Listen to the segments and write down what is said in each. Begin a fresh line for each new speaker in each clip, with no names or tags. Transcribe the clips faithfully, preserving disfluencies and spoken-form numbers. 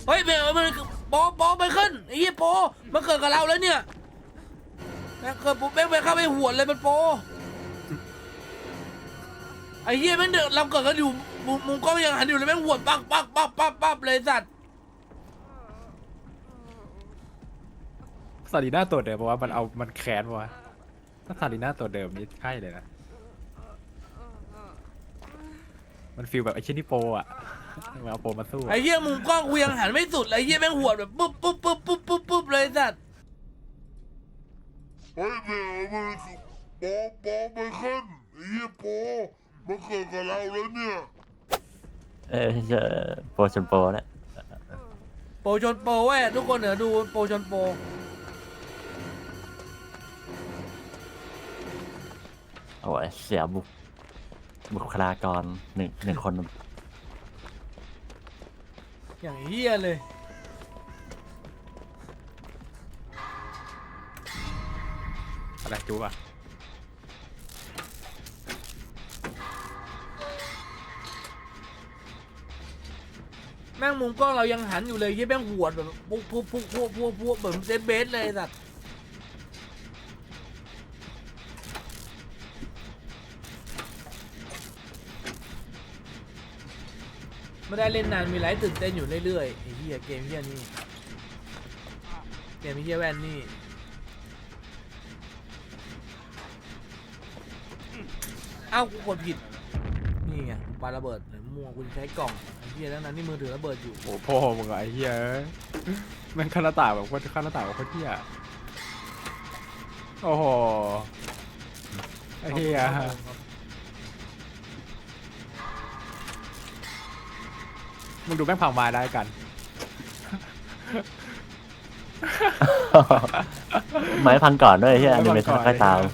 เฮ้ยเบลมันโปโปไปขึ้นไอ้เหี้ยโปมันเกิดกับเราแล้วเนี่ยแม่งเกิดปุ๊บแม่งไปเข้าไปหวนเลยมันโปไอ้เหี้ยแม่งเดือดเราเกิดกันอยู่มุมมุมกล้องยังหันอยู่เลยแม่งหวนปักปักปักปักปักเลยสัตว์
ซาลีน่าตัวเดิมเพราะว่ามันเอามันแค้นวะถ้าซาลีน่าตัวเดิมนี่ใช่เลยนะมันฟีลแบบไอ้เชนนี่โปอ่ะมันเอาโปมาสู้
ไอ้เหี้ยมุมกล้องกูยังหันไม่สุดเลยไอ้เหี้ยแม่งหวนแบบปุ๊บปุ๊บปุ๊บปุ๊บปุ๊บปุ๊บเลยสัตว์
เฮ้ยเบลมันคือโปโปไปขึ้นไอ้เหี้ยโปมันเกิดกับเราแล้วเนี่ย
เออเจอโปรชนโปรแล้ว
โปรชนโปรเว้ยทุกคนเดี๋ยวดูโปรชนโปร
โอ้ยเสียบุคบุคลากรหนึ่งหนึ่งคน
อย่างเหี้ยเลย
อะไรจูบอ่ะ
แม่งมุมกล้องเรายังหันอยู่เลยยี่แม่งหวดแบบปุ๊บปุ๊บปุ๊บปุ๊บปุ๊บปุ๊บเหมือนเซตเบสเลยสัตว์ไม่ได้เล่นนานมีหลายตื่นเต้นอยู่เรื่อยๆไอ้เหี้ยเกมเหี้ยนี่เกมเหี้ยแว่นนี่เอ้ากูกดผิดนี่ไงปาระเบิดมั่วกูใช้กล่องไอ้เหี้ยแล้วนั้นนี่มือถือระเบิดอยู่
โอ้พ่อมึงอะไอ้เหี้ยแมันคาราตาแบบคนคาราตาแบบคนเหี้ยโอ้โหไอ้เหี้ยมึงดูแม่งพังมาได้กัน
ไม้พังก่อนด้วยใช่ไหมอนิเมชั่นค่อยตาม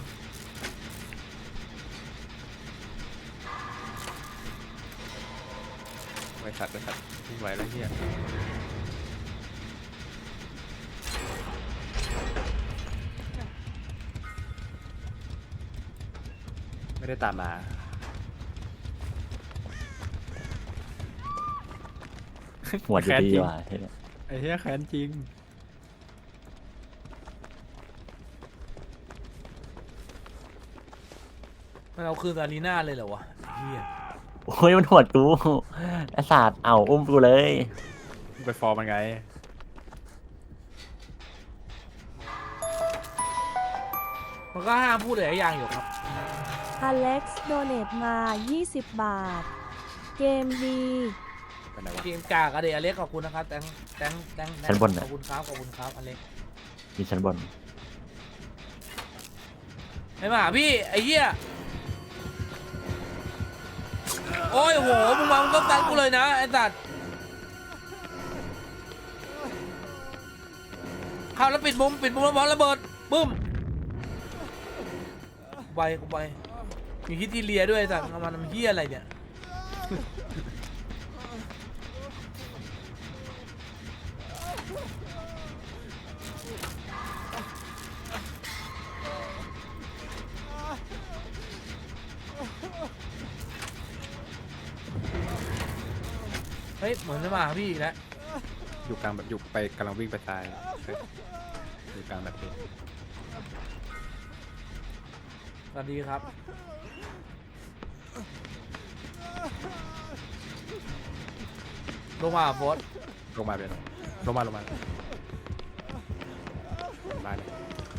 ไว้สัตว์ไว้สัตว์ทิ้งไว้แล้วเหี้ยไม่ได้ตามมา
หัวดอยู่ดีว่ะ
ไอ้เหี้ยแค้นจริง
มันเอาคืนอารีนาเลยเหรอวะไอ้เหี้ย
โอ้ยมันหัวดกูไอ้ศาสตร์เอาอุ้มกูเลย
มึงไปฟอร์มมันไง
มันก็ห้ามพูดหลายอย่างอยู่ครับ
อเล็กซ์โดเนตมา ยี่สิบ บาท เกมดี
ไปไหนวะ
เกมกากอะเดอเล็กขอบคุณนะครับแตงแตงแตงแตง
ชั้นบน
ข
น่ะ
อบคุณครับขอบคุณครับอเล็ก
มีชั้นบน
ไอ้หมาพี่ไอ้เหี้ยโอ้ยโหมึงมามึงก็ตันกูเลยนะไอ้สัตว์เข้าแล้วปิดมุมปิดมุมแล้วบอลระเบิดบึ้มกูไปกูไปมีฮิตทีเลียด้วยไอ้สัตว์เอามาทำเหี้ยอะไรเนี่ยเฮ้ยเหมือนจะมาหาพี่อีกแล้ว
อยู่กลางแบบอยู่ไปกำลังวิ่งไปตายเฮ้ยอยู่กลางแบบนี้
สวัสดีครับลงมาโฟส
ลงมาเป็นลงมาลงมามาเลย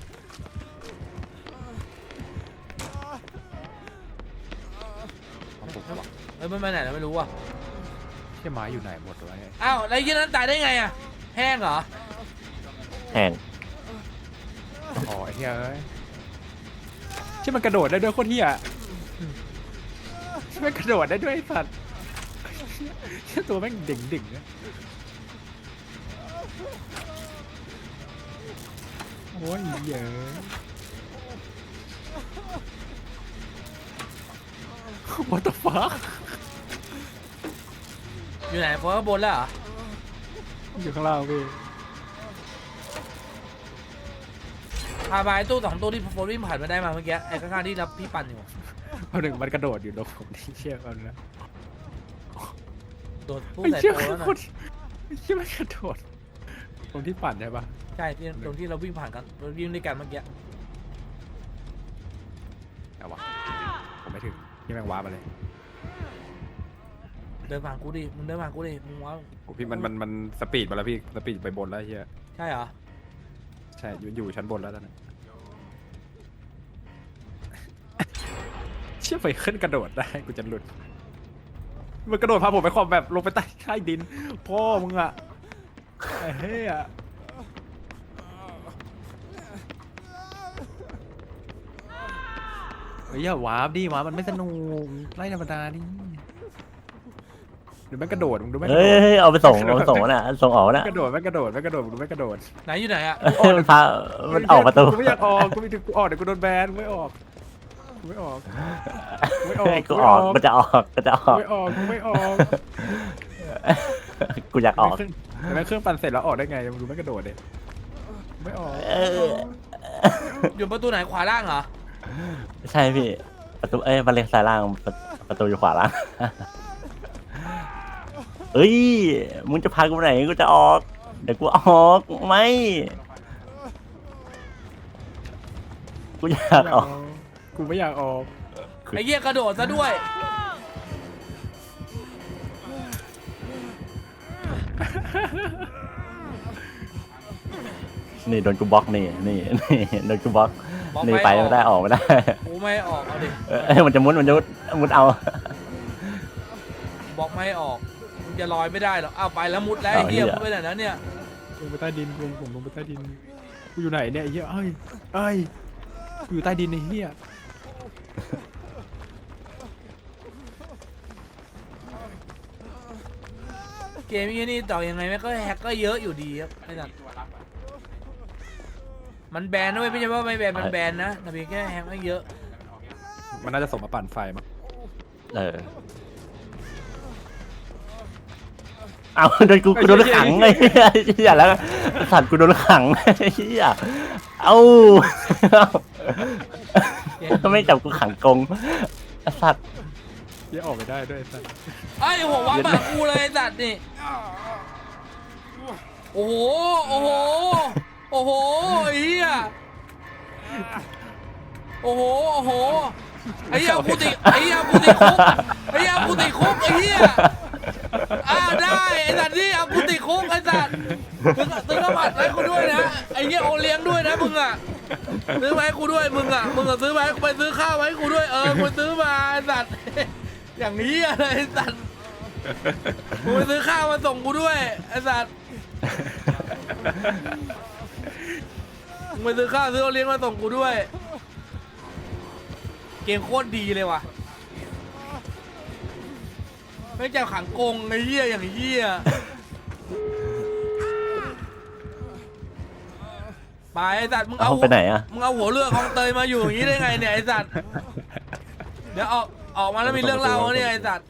เอาปุ๊บวะ
เฮ้ยมันไปไหนแล้วไม่รู้ว่ะ
เชี่ยไม้อยู่ไหนหมดวะเนี่ย
อ้าวแล้วไอ้ยี่นั้นตายได้ไงอะแห้งเหรอ
แห้ง
อ๋อไอ้เหี้ยเอ้ยเชี่ยมันกระโดดได้ด้วยโคตรเหี้ยเชี่ยมันกระโดดได้ด้วยไอ้สัตว์เชี่ยตัวแม่งดิ่งดิ่งๆนะโอ้ยเหี้ย What the fuck
อยู่ไหนโฟสข้างบนแล้วเหรอ
อยู่ข้างล่างพี่
พาไปตู้สองตู้ที่โฟสวิ่งผ่านมาได้มาเมื่อกี้ไอ้ข้างๆที่รับพี่ปั่นอยู่
เอาหนึ่งมันกระโดดอยู่ตรงผมที่เชี่ยมันนะ
โดนตู้
ไอ้
ใส่
เชี่ย
โฟสแล้วนะ
โคตรที่มันกระโดดตรงที่ปั่นใช่ปะ
ใช่ที่ตรงที่เราวิ่งผ่านกันเราวิ่งด้วยกันเมื่อกี้
เอาวะผมไม่ถึงที่แม่งว้ามาเลย
เดินผ่านกูดิมึงเดินผ่านกูดิมึงว้าว
โอ้พี่มันมันมันสปีดมาแล้วพี่สปีดไปบนแล้วไอ้เฮีย
ใช่เหรอ
ใช่อยู่อยู่ชั้นบนแล้วตอนนั้นเชี่ยไปขึ้นกระโดดได้กูจะหลุดมันกระโดดพาผมไปคอมแบบลงไปใต้ใต้ดินพ่อมึงอะไอ้เฮ้ยอะเฮ้ยอย่าวาร์ปดิวาร์ปมันไม่สนุกไล่ธรรมดาดิหรือแม่งกระโดดมึงดูแม่งกระ
เฮ้
โด
ย
ด
เฮ้ยเอาไปส่งเอาไปส่งน่ะส่งออกน่ะ
แม่งกระโดดแม่งกระโดดแม่งกระโดดมึงดูแม่งกระโดด
ไหนอยู่ไหนอะ
เฮ้ยมันพามันออกประตู
กูไม่อยากออกกูไม่ถึงกูออกเดี๋ยวกูโดนแบนกูไม่ออกกูไม่ออกกูไม่ออก
ให้กูออกมันจะออกมันจะออก
ไม่ออกกูไม่ออก
กูอยากออก
แม่งเครื่องปั่นเสร็จแล้วออกได้ไงมึงดูแม่งกระโดดดิไม่ออก
เออ
อยู่ประตูไหนขวาล่างเหรอ
ใช่พี่ประตูเอ้ยบันเลงซ้ายล่างประประตูอยู่ขวาล่างเอ้ยมึงจะพากูไปไหนกูจะออก เดี๋ยวกูออกไม่กูอยากออก
กูไม่อยากออก
ไอ้เหี้ยกระโดดซะด้วย
นี่โดนกูบล็อกนี่นี่นี่โดนกูบล็อก
บล็อก
นี่
ไม่
ไป
ออก
ไม่ได้ออกไม่ได้
กูไม่ให้ออกเอาดิ
เอ้ยมันจะมุดมันจะมุดมุดเอา
บอกไม่ให้ออกมึงจะลอยไม่ได้หรอกอ้าวไปแล้วมุดแล้วไอ้เหี้ย
เอาเหี้ย
มึงไปไหนแล้วเนี่ย
ลงไปใต้ดินกูผมลงไปใต้ดินกูอยู่ไหนเนี่ยไอ้เหี้ยเอ้ยเอ้ยกูอยู่ใต้ดินไอ้เหี้ย
เกมนี้นี่ต่อยังไงแม่งก็แฮกก็เยอะอยู่ดีครับไอ้สัตว์มันแบนนะเว้ยไม่ใช่ว่าไม่แบนมันแบนนะแต่เพียงแค่แฮกไม่เยอะ
มันน่าจะส่งมาปั่นไฟมั้ง
เออเอาโดนกูกูโดนขังไงเฮียแล้วสัตว์กูโดนขังเฮียเอาไม่จับกูขังกรงสัตว์
เหี้ยออกไม่ได้ด้วยไอ้สัส
ไอ้หัววับมากูเลยไอ้สัตว์นี่โอ้โหโอ้โหโอ้โหไอ้เหี้ยโอ้โหโอ้โหไอ้เหี้ยกูติไอ้เหี้ยกูติคุกไอ้เหี้ยกูติคุกไอ้เหี้ยอ่าได้ไอ้สัตว์นี่เอากูติคุกไอ้สัตว์มึงอะซื้อกระผัดไว้กูด้วยนะไอ้เหี้ยโอเลี้ยงด้วยนะมึงอะซื้อมาให้กูด้วยมึงอะมึงอะซื้อมาให้กูไปซื้อข้าวไว้ให้กูด้วยเออกูซื้อมาไอ้สัตว์อย่างนี้อะไรไอ้สัตว์กูไปซื้อข้าวมาส่งกูด้วยไอ้สัตว์มึงไปซื้อข้าวซื้อโอเลี้ยงมาส่งกูด้วยเกมโคตรดีเลยว่ะไม่จับขังกงไอ้เหี้ยอย่างเหี้ยไปไอ้สัตว์มึงเอา
เอาไปไหนอะ
มึงเอาหัวเรือของเตยมาอยู่อย่างนี้ได้ไงเนี่ยไอ้สัตว์เดี๋ยวออกออกมาแล้วมีเรื่องเล่าเนี่ยไอ้สัตว์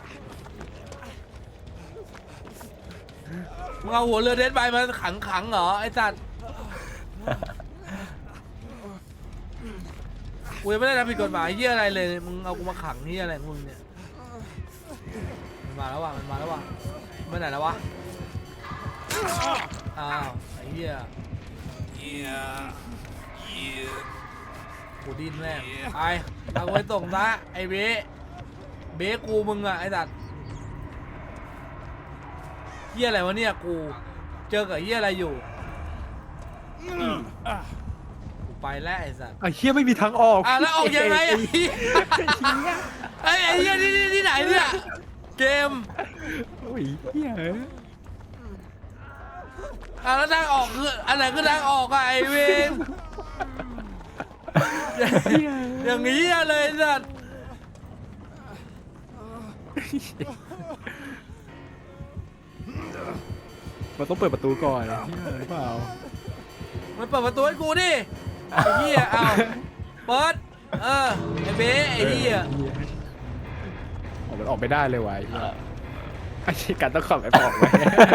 มึงเอาหัวเรือเดดไบมาขังขังเหรอไอ้สัตว์กูยังไม่ได้ทำผิดกฎหมายเหี้ยอะไรเลยมึงเอากูมาขังเหี้ยอะไรของมึงเนี่ยมันมาแล้วว่ะมันมาแล้วว่ะมันไปไหนแล้ววะอ้าวไอ้เหี้ยกูดิ้นแม่งไปเอาไปส่งซะไอ้เบ๊เบ๊กูมึงอะไอ้สัตว์เหี้ยอะไรวะเนี่ยกูเจอกับเหี้ยอะไรอยู่กูไปแล้วไอ้สัตว์
ไอ้เหี้ยไม่มีทางออก
อ่ะแล้วออกยังไงไอ้เหี้ยไอ้ไอ้เหี้ยที่ที่ที่ไหนเนี่ยเกม
โอ้ยเหี้ย
อ่ะแล้วทางออกคืออันไหนคือทางออกอะไอ้เวมอย่างนี้เลยไอ้สัตว์
มันต้องเปิดประตูก่อนเหี้ยหรือเปล่า
มันเปิดประตูให้กูดิไอ้เหี้ยเอาเปิดเออไอ้เบ๊ไอ้เหี้ย
ออกมันออกไม่ได้เลยว่ะไอ้เหี้ยไอ้เหี้ยกันต้องขับไปปอกไว้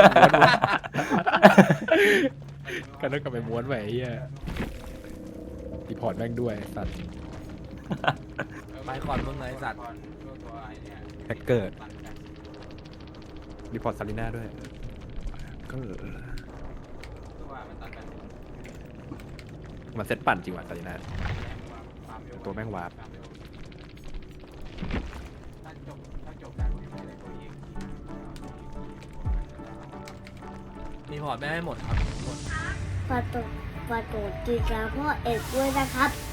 กันต้องกลับไปม้วนไว้ไอ้เหี้ยรีพอร์ตแม่งด้วยไอ้สัตว์
ไปก่อนมึงไอ้สัตว์
แฮกเกอร์รีพอร์ตซาลิน่าด้วยเกอร์มันเซ็ตปั่นจริงว่ะซาลิน่าตัวแม่งวาร์ป
มีพอร์ตไม่ให้หมดครับหมด
ฝากกดฝากกดติดตามพ่อเอกด้วยนะครับ